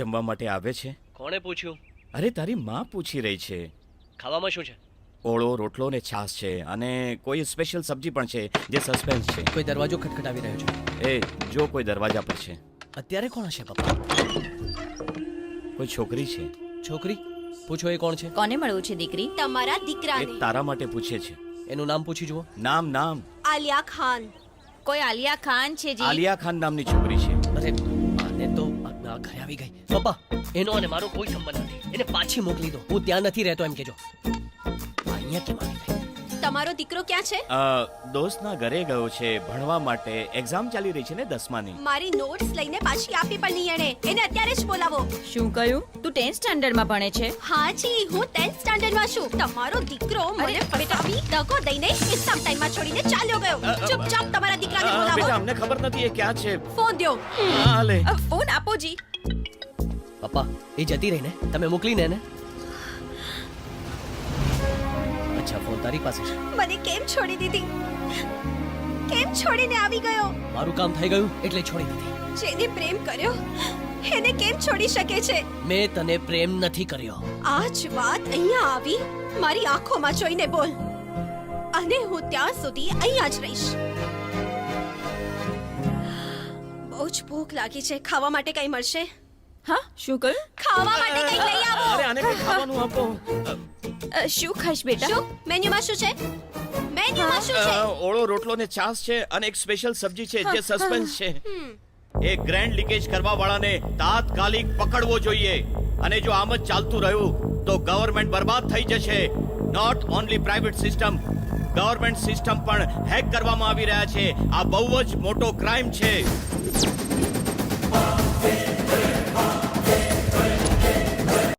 જમવા માટે આવે છે? કોણે પૂછ્યું? અરે તારી માં પૂછી રહી છે. ખાવામાં શું છે? ઓળો રોટલો ને છાશ છે અને કોઈ સ્પેશિયલ સબ્જી પણ છે જે સસ્પેન્સ છે. કોઈ દરવાજો ખટખટાવી રહ્યો છે. એ જો કોઈ દરવાજા પર છે. અત્યારે કોણ હશે પપ્પા? કોઈ છોકરી છે. છોકરી? પૂછો એ કોણ છે? કોને મળવું છે દીકરી? તમારા એ દીકરાને. તારા માટે પૂછે છે. એનું નામ પૂછી જુઓ. નામ નામ આલિયા ખાન. કોઈ આલિયા ખાન છે જી? આલિયા ખાન નામની છોકરી છે. અરે આને તો આ ઘરે આવી ગઈ. પપ્પા એનો અને મારો કોઈ સંબંધ નથી. એને પાછી મોકલી દો. હું ત્યાં નથી રહેતો એમ કહેજો. અહીંયા કેમ આવી ગઈ? તમારો દીકરો ક્યાં છે? દોસ્તના ઘરે ગયો છે ભણવા માટે. એક્ઝામ ચાલી રહી છે ને 10માની. મારી નોટ્સ લઈને પાછી આપી પણ નહીં એને અત્યારે જ બોલાવો. શું કહ્યું? તું 10th સ્ટાન્ડર્ડમાં ભણે છે? હા જી, હું 10th સ્ટાન્ડર્ડમાં છું. તમારો દીકરો મને ફટાવી દગો દઈને એક્ઝામ ટાઈમમાં છોડીને ચાલ્યો ગયો. ચૂપચાપ તમારા દીકરાને બેટા બોલાવો. અમને ખબર નથી એ ક્યાં છે. ફોન દ્યો. હા લે. ફોન આપો જી. પપ્પા એ જતી રહી ને, તમે મોકલીને એને. અચ્છા ફોન તારી પાસે છે. મને કેમ છોડી દીધી? કેમ છોડીને આવી ગયો? મારું કામ થઈ ગયું એટલે છોડી દીધી. જેને પ્રેમ કર્યો એને કેમ છોડી શકે છે? મેં તને પ્રેમ નથી કર્યો. આ જ વાત અહીંયા આવી મારી આંખોમાં જોઈને બોલ. અને હું ત્યાં સુધી અહીંયા જ રહીશ. બહુ જ ભૂખ લાગી છે. ખાવા માટે કંઈ મળશે? હા શું કહ્યું? ખાવા માટે કંઈ લઈ આવો. અરે આને કંઈ ખાવાનું આપો. શું ખાઈશ બેટા? શું મેન્યુમાં શું છે? મેન્યુમાં શું છે? ઓળો રોટલો ને છાશ છે અને એક સ્પેશિયલ સબ્જી છે જે સસ્પેન્સ છે. એ ગ્રેન્ડ લીકેજ કરવા વાળાને તાત્કાલિક પકડવો જોઈએ. અને જો આમ જ ચાલતું રહ્યું તો ગવર્નમેન્ટ બરબાદ થઈ જશે. Not only private system, government system પણ હેક કરવામાં આવી રહ્યા છે. આ બહુ જ મોટો ક્રાઇમ છે.